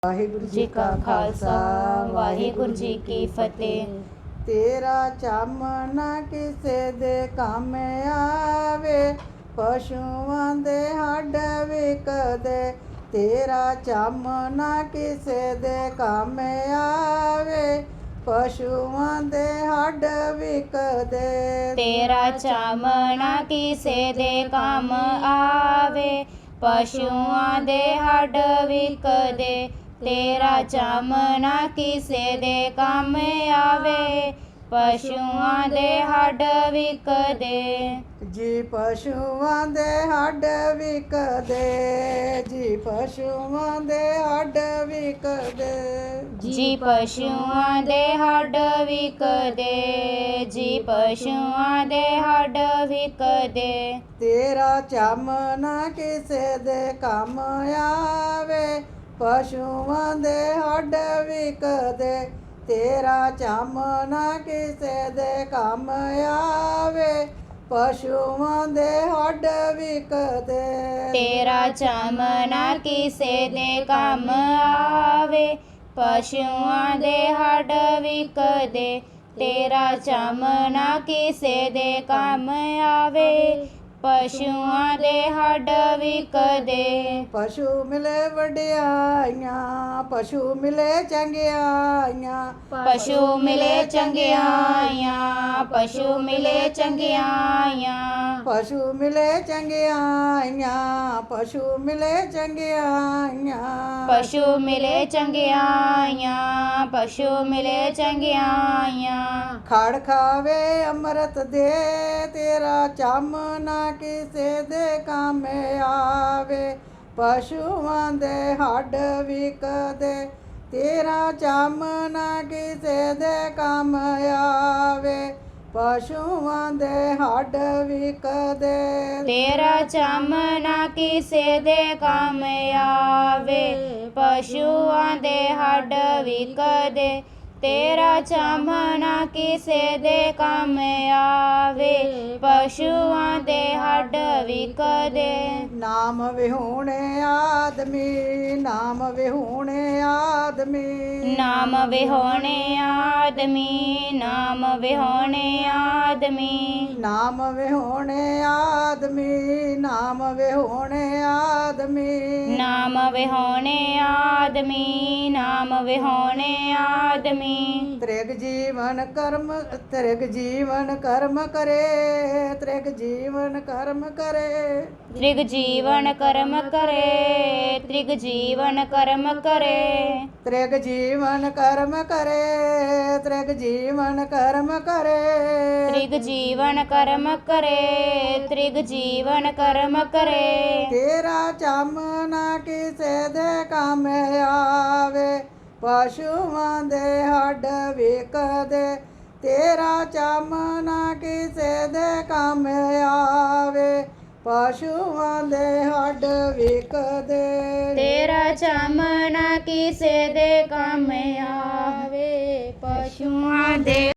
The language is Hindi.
वाहिगुरु जी का खालसा वाहिगुरु जी की फतेह। तेरा चामना किसे दे काम आवे, पशुओं दे हड्ड विकदे। तेरा चामना किसे दे काम आवे, पशुओं दे हड्ड विकदे। तेरा चामना किसे दे काम आवे, पशुओं दे हड्ड विकदे। तेरा चामना किसे दे काम आवे, पशुओं दे हड्ड विकदे। जी पशुओं दे हड्ड विकदे, जी पशुओं दे हड्ड विकदे। जी पशुओं दे हड्ड विकदे, जी पशुओं दे हड्ड विकदे। तेरा चामना किसे दे काम आवे, पशुओं दे हड्ड विकदे। तेरा चामना किसे दे काम आवे, पशुओं दे हड्ड विकदे। तेरा चामना किसे दे काम आवे, पशुओं दे हड्ड विकदे। तेरा चामना किसे दे काम आवे, पशुओं दे हड्ड विकदे। पशु मिले वड्डियाइयां, पशु मिले चंगियाइयां। पशु मिले चंगियाइयां, पशु मिले चंगियाइयां। पशु मिले चंगियाइयां, पशु मिले चंगियाइयां। पशु मिले चंगियाइयां, पशु मिले चंगियाइयां। खड़ खावे अमृत दे, तेरा चामना किसे दे काम आवे, पशुओं दे हड्ड विकदे। तेरा चामना किसे दे काम आवे, पशुओं दे हड्ड विकदे। तेरा चामना किसे दे काम आवे, पशुओं दे हड्ड विकदे। तेरा चामना किसे दे काम आवे, पशुओं दे हड्ड विकदे। नाम विहूणे आदमी, नाम विहूणे आदमी। नाम विहोणे आदमी, नाम विहोणे आदमी। नाम विहूणे आदमी, नाम विहूणे आदमी। नाम विहोणे आदमी, नाम विहोणे आदमी। त्रिग जीवन कर्म, त्रिग जीवन कर्म करे, त्रिग जीवन कर्म करे। त्रिग जीवन कर्म करे, त्रिग जीवन कर्म करे। त्रिग जीवन कर्म करे, त्रिग जीवन कर्म करे। त्रिग जीवन कर्म करे, त्रिग जीवन कर्म करे। तेरा चामना किसे दे काम आवे, पशुओं दे हड्ड विकदे। तेरा चामना किसे दे काम आवे, पशुओं दे हड्ड विकदे। तेरा चामना किसे दे काम आवे, पशुओं दे